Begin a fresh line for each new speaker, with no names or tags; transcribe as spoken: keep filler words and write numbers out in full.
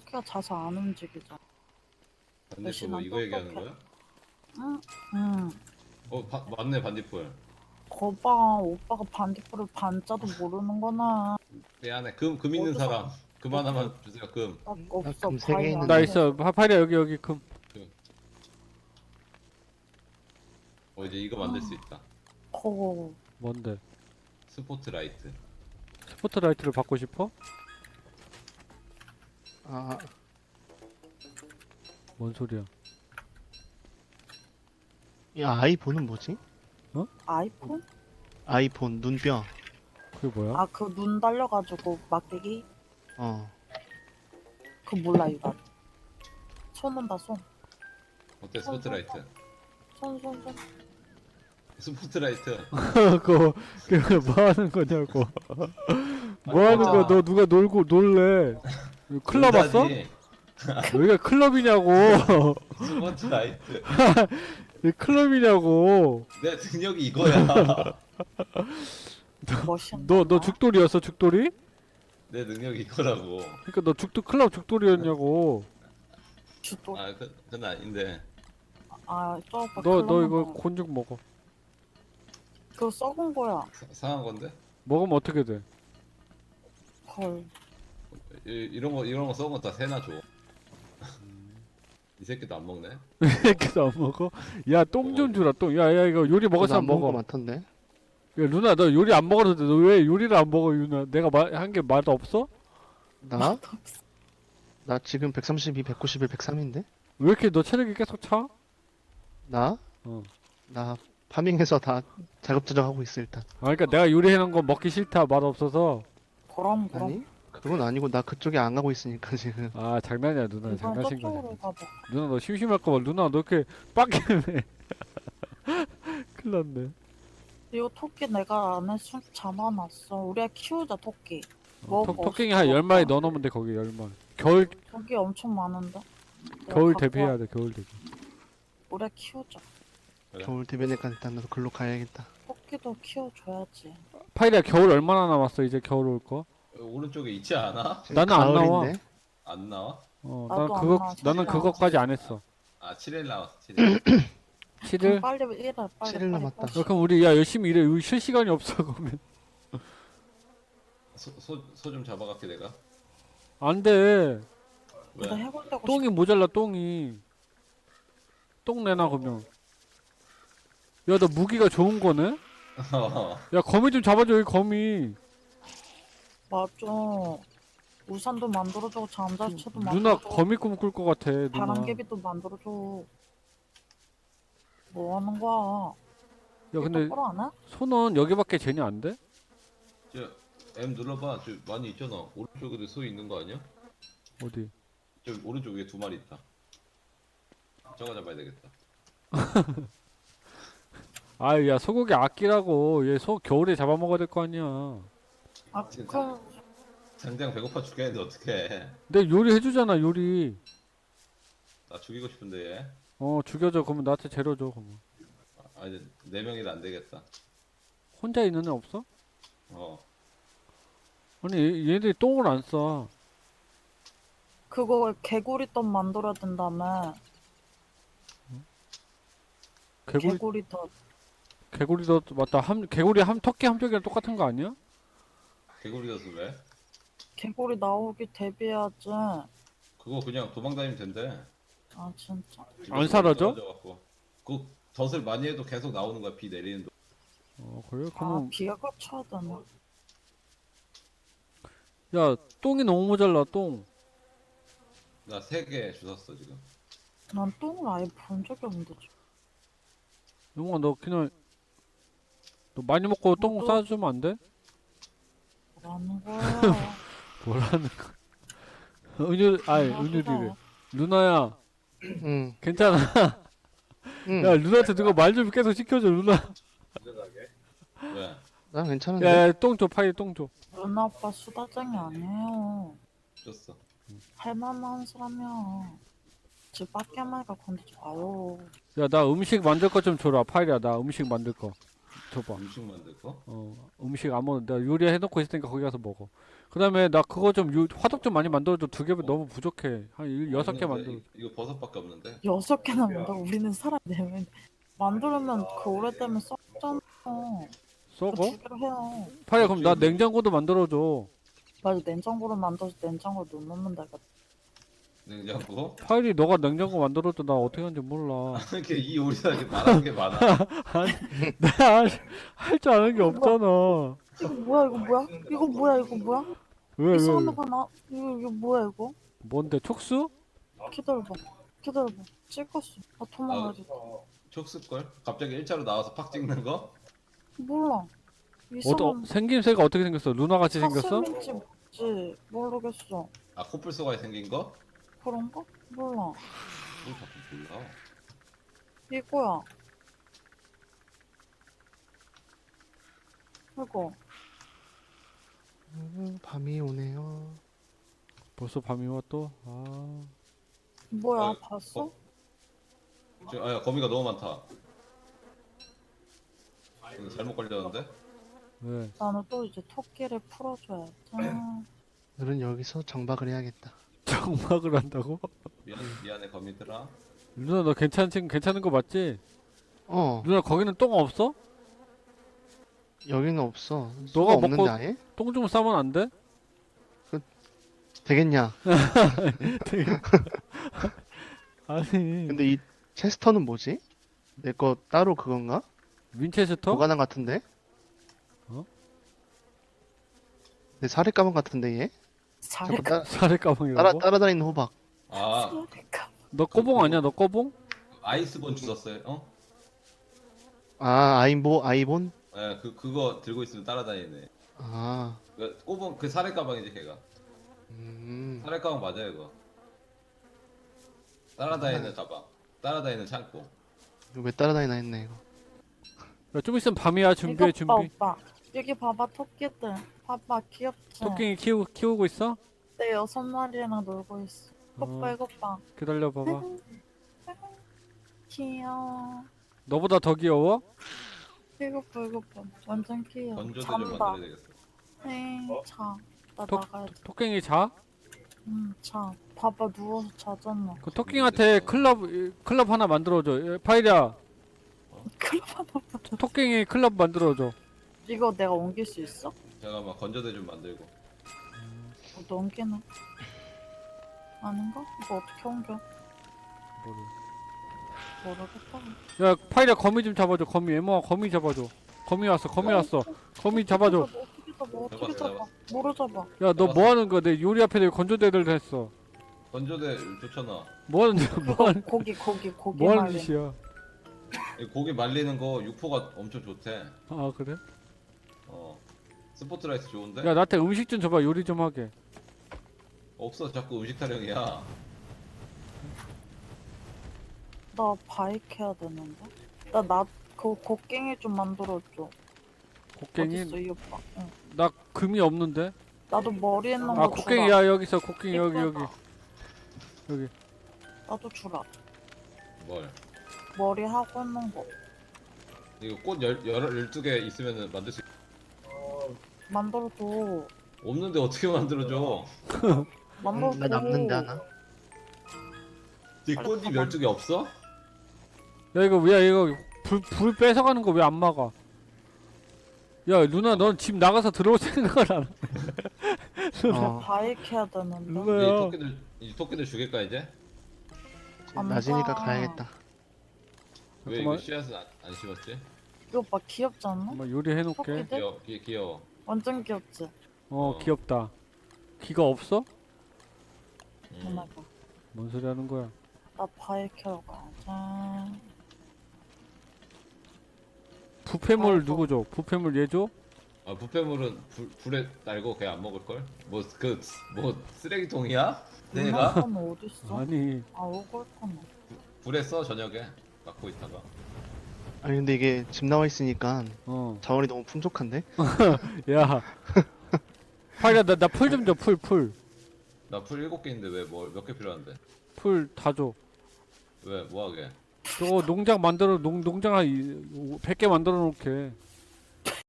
토끼가 자주 안 움직이잖아.
반딧불
대신
뭐
난
이거 얘기하는
똑똑해.
거야?
응, 응.
어 바, 맞네 반딧불.
거봐, 오빠가 반딧불을 반자도 모르는구나.
미안해. 금, 금 있는
어디서
사람. 금 하나만 주세요. 금.
딱
나
없어.
금 세 개
바위
있는데.
나
안에
있어. 파파리야 여기 여기 금.
금. 어 이제 이거 만들 수 있다.
거
뭔데?
스포트라이트.
스포트라이트를 받고 싶어?
아,
뭔 소리야?
이 아이폰은 뭐지?
아이폰?
아이폰 눈뼈.
그게 뭐야?
아, 그 눈 달려가지고 막대기?
어.
그 몰라, 이거. 손 온다, 손.
어때 스포트라이트?
손, 손, 손.
스포트라이트.
그거 그거 뭐 하는 거냐고. 뭐 하는 거야? 너 누가 놀고 놀래? 이거 클럽 왔어?
놀자지.
여기가 클럽이냐고.
스포트라이트.
이 클럽이냐고.
내 능력이 이거야.
멋있나?
너 너 죽돌이었어 죽돌이?
내 능력이 이거라고.
그러니까 너 죽돌 클럽 죽돌이었냐고.
주도.
아 그, 그건 아닌데.
아, 저 오빠
너 너
클럽만
이거
먹어.
곤죽 먹어.
그거 썩은 거야.
사, 상한 건데?
먹으면 어떻게 돼?
헐.
이, 이런 거 이런 거 썩은 거 다 새나 줘. 이 새끼도 안 먹네.
이렇게도 안 먹어? 야 똥 좀 주라 똥. 야야 이거 요리 먹을
그래도
사람
안 먹은 거
먹어.
많던데.
야 누나 너 요리 안 먹어도 돼. 너 왜 요리를 안 먹어 유나? 내가 한 게 맛 없어?
나? 나 지금 백삼십이, 백구십일, 백삼인데?
왜 이렇게 너 체력이 계속 차?
나?
어.
나 파밍해서 다 자급자족 하고 있어 일단.
아 그러니까 내가 요리해 놓은 거 먹기 싫다 맛 없어서.
그럼, 그럼.
아니? 그건 아니고 나 그쪽에 안 가고 있으니까 지금.
아 장난이야 누나
이번
장난친 거야.
저쪽으로 가봐.
누나 너 심심할까 봐 누나 너 이렇게 빡게임해. 큰일 났네.
이거 토끼 내가 안에 숨 잡아놨어. 우리가 키우자, 토끼.
어,
뭐,
토,
뭐
토끼이
없어,
한 열 마리
없어.
넣어놓으면 돼 거기 열 마리. 겨울
토끼 엄청 많은데? 내가
겨울
갖고
대비해야
와.
돼 겨울 대비.
우리가 키우자.
그래.
겨울 되면니까 일단 나도 글로 가야겠다.
토끼도 키워줘야지.
파이리야 겨울 얼마나 남았어 이제 겨울 올 거?
어, 오른쪽에 있지 않아?
지금
나는 안 나와.
가을인데?
안 나와?
어,
나도
난
안
그거
나와,
나는
진짜.
그거까지 안 했어.
아 칠 일 남았어. 칠 일.
칠 일?
빨리 일해, 빨리.
칠 일
빨리,
남았다.
빨리.
어, 그럼 우리 야 열심히 일해. 우리 쉴 시간이 없어 그러면.
소소 좀 잡아갈게 내가.
안 돼.
나
왜?
해보려고
똥이 모자라 똥이. 똥 내놔 그러면. 야 너 무기가 좋은 거네? 야 거미 좀 잡아줘 여기 거미.
맞아. 우산도 만들어주고 잠자리채도
누나
만들어주고
거미 꿈 꿀 것 같아 누나.
바람개비도 만들어줘. 뭐 하는 거야?
야 근데
똑바로 안 해?
손은 여기밖에 재니 안 돼?
저 M 눌러봐. 저 많이 있잖아. 오른쪽에도 소 있는 거 아니야?
어디?
저 오른쪽 위에 두 마리 있다. 저거 잡아야 되겠다.
아유 야 소고기 아끼라고. 얘 소 겨울에 잡아먹어야 될 거 아니야.
아,
진짜.
그럼
당장 배고파 죽겠는데 어떡해.
내 요리 해주잖아 요리.
나 죽이고 싶은데 얘.
어 죽여줘 그러면 나한테 재료 줘 그러면.
아 이제 네 명이라 안 되겠다.
혼자 있는 애 없어?
어.
아니 얘, 얘들이 똥을 안 싸.
그거 개구리 떡 만들어야 된다며.
개구리
개구리 떡.
개구리도 맞다. 함 개구리 함 토끼 함정이랑 똑같은 거 아니야?
개구리여서 왜?
개구리 나오기 대비해야지.
그거 그냥 도망다니면 된대.
아 진짜.
안 사라져?
떨어져갖고. 그 덫을 많이 해도 계속 나오는 거야. 비 내리는 동.
어 그래?
아
그러면
비가 꽂혀야 되나?
야 똥이 너무 모자라 똥.
나세 개 주웠어 지금.
난 똥을 아예 본 적이 없는데. 지금.
영웅아 너 그냥 너 많이 먹고 똥
또-
싸주면 안 돼?
뭐라는 거야?
뭐라는 거? 은유 아니
뭐라는
은유리래.
거야?
누나야
응.
괜찮아.
응.
야 누나한테 누가 말 좀 계속 시켜줘 누나.
안전하게. 왜?
난 괜찮은데.
야 똥 줘 파이 똥 줘.
누나 오빠 수다쟁이 아니에요.
줬어.
할 만한 사람이야. 집 밖에 말까 건드지 마요.
야 나 음식 만들 거 좀 줘라 파이야 나 음식 만들 거. 줘봐.
음식 만들 거?
어 음식 아무거나 내가 요리해 놓고 있을 테니까 거기 가서 먹어. 그다음에 나 그거 좀 요, 화덕 좀 많이 만들어줘. 두 개면 너무 부족해. 한 일, 여섯 개
없는데?
만들어.
이- 이거 버섯밖에 없는데?
여섯 개나 만들어. 우리는 사람 네 명. 만들면 그 오래되면 썩잖아.
썩어?
두 개로 해요.
파야 그럼 나 냉장고도 만들어줘.
맞아, 냉장고로 만들어서 냉장고에 넣으면 되겠다.
냉장고?
파일이 너가 냉장고 만들어줘. 나 어떻게 하는지 몰라.
이렇게 이 요리사 이렇게 말하는 게 많아.
내가 할 줄 아는 게 없잖아.
이거 뭐야, 이거 뭐야? 이거 뭐야, 이거 뭐야?
왜, 왜,
이상한
왜?
거 나, 이거, 이거 뭐야, 이거?
뭔데, 촉수?
기다려봐. 기다려봐. 찍었어. 아, 도망가야겠다.
촉수걸? 갑자기 일자로 나와서 팍 찍는 거?
몰라.
어떠,
이상한
생김새가 어떻게 생겼어? 루나 같이 생겼어?
사슴인지 뭔지 모르겠어.
아 코뿔소가 생긴 거?
그런가? 몰라.
뭘 자꾸 몰라.
이거야. 이거.
음, 밤이 오네요.
벌써 밤이 와 또? 아.
뭐야,
어,
봤어?
어? 지금 아야 거미가 너무 많다. 이거 잘못 걸렸는데?
왜?
나는 또 이제 토끼를 풀어줘야지.
오늘은 여기서 정박을 해야겠다.
정막을 한다고?
미안 미안해 거미들아.
루나 너 괜찮지? 괜찮은 거 맞지?
어,
루나 거기는 똥 없어?
여기는 없어.
너가
수가 없는데
먹고-
아예?
똥 좀 싸면 안 돼?
되겠냐?
아니
근데 이 체스터는 뭐지? 내 거 따로 그건가?
윈체스터?
보관함 같은데?
어?
내 사례 가방 같은데 얘? 자꾸
잘했다.
따,
사례
따라,
가방이라고?
따라다니는 호박.
아
너 꺼봉 아니야? 너 꺼봉?
아이스본 주웠어요? 어?
아, 아이보, 아이본?
예, 그 그거 들고 있으면 따라다니네.
아,
그 꼬봉 그 사례 가방이지 걔가.
음,
사례 가방 맞아요 이거. 따라다니는 가방. 따라다니는 창고.
이거 왜 따라다니나 했네 이거.
야, 좀 있으면 밤이야. 준비해
이거
준비.
봐, 오빠. 여기 봐봐, 토끼들. 봐봐, 귀엽지?
토끼 키우, 키우고 있어?
내 여섯 마리랑 놀고 있어. 이것 봐,
어.
이것 봐.
기다려 봐봐.
귀여워.
너보다 더 귀여워?
이것 봐, 이것 봐. 완전 귀여워.
건조대 좀
잔다.
만들어야 되겠어.
에이, 자. 나
토-
나가야 돼.
토끼이 자?
응, 자. 봐봐, 누워서 자잖아.
그 토끼한테 클럽 클럽 하나 만들어줘. 예, 파이리야.
클럽 하나 만들어.
토끼이 클럽 만들어줘.
이거 내가 옮길 수 있어?
잠깐만 건조대 좀 만들고.
어, 넘기는. 아닌가? 이거 어떻게 옮겨?
뭐를.
모르겠다.
야 파이리야 거미 좀 잡아줘. 거미 에모아 거미 잡아줘. 거미 왔어. 거미 왔어. 거미 잡아줘.
어떻게 잡아? 어떻게
잡았어,
잡아? 뭐로 잡아?
야 너 뭐 하는 거야? 내 요리 앞에 건조대들 했어.
건조대 좋잖아.
뭐 하는 뭐 하는
고기, 고기, 고기
뭐 하는
말린.
짓이야?
이 고기 말리는 거 육포가 엄청 좋대.
아 그래?
어. 스포트라이트 좋은데?
야 나한테 음식 좀 줘봐. 요리 좀 하게.
없어 자꾸 음식 타령이야.
나 바이크 해야 되는데? 나, 나, 그 곡괭이 좀 만들어줘.
곡괭이?
어딨어, 이 오빠? 응.
나 금이 없는데?
나도 머리에 있는 거
아
주라.
곡괭이야 여기 있어. 곡괭이 여기 여기
이거다.
여기.
나도 주라.
뭘?
머리 하고 있는 거.
이거 꽃 열, 열, 열두 개 있으면 만들 수 있...
만들어줘.
없는데 어떻게 만들어줘?
만들어줘.
나 남는데 하나?
이
빨리
꽃잎
가방.
열두 개 없어?
야 이거 야 이거 불, 불 뺏어가는 거 왜 안 막아? 야 누나 넌 집 나가서 들어올 생각을 안 해.
어,
바이크 해야 되는데.
이
누나야.
토끼들 이 토끼들 죽일까 이제?
안
낮이니까
가.
가야겠다.
왜 이거
잠깐만.
씨앗은 안, 안 심었지?
이 오빠 귀엽지 않나?
한번 요리해놓게.
토끼들?
귀여 귀, 귀여워.
완전 귀엽지?
어
어.
귀엽다. 귀가 없어?
음.
누나가.
뭔 소리 하는 거야?
나 바이크 하러 가자.
부패물
아이고.
누구 줘? 부패물 얘 줘?
아 부패물은 불, 불에 날고 걔 안 먹을 걸? 뭐 그 뭐 쓰레기통이야? 내가
누나는 어딨어?
아니
아, 오골거나.
불에 써 저녁에 갖고 있다가.
아니 근데 이게 집 나와 있으니까
어.
자원이 너무 풍족한데?
야. 파이야 나나 풀 좀 줘. 풀 풀.
나 풀 일곱 개인데 왜 뭐 몇 개 필요한데?
풀 다 줘.
왜 뭐하게?
저거 농장 만들어 농 농장 한 백 개 만들어 놓게.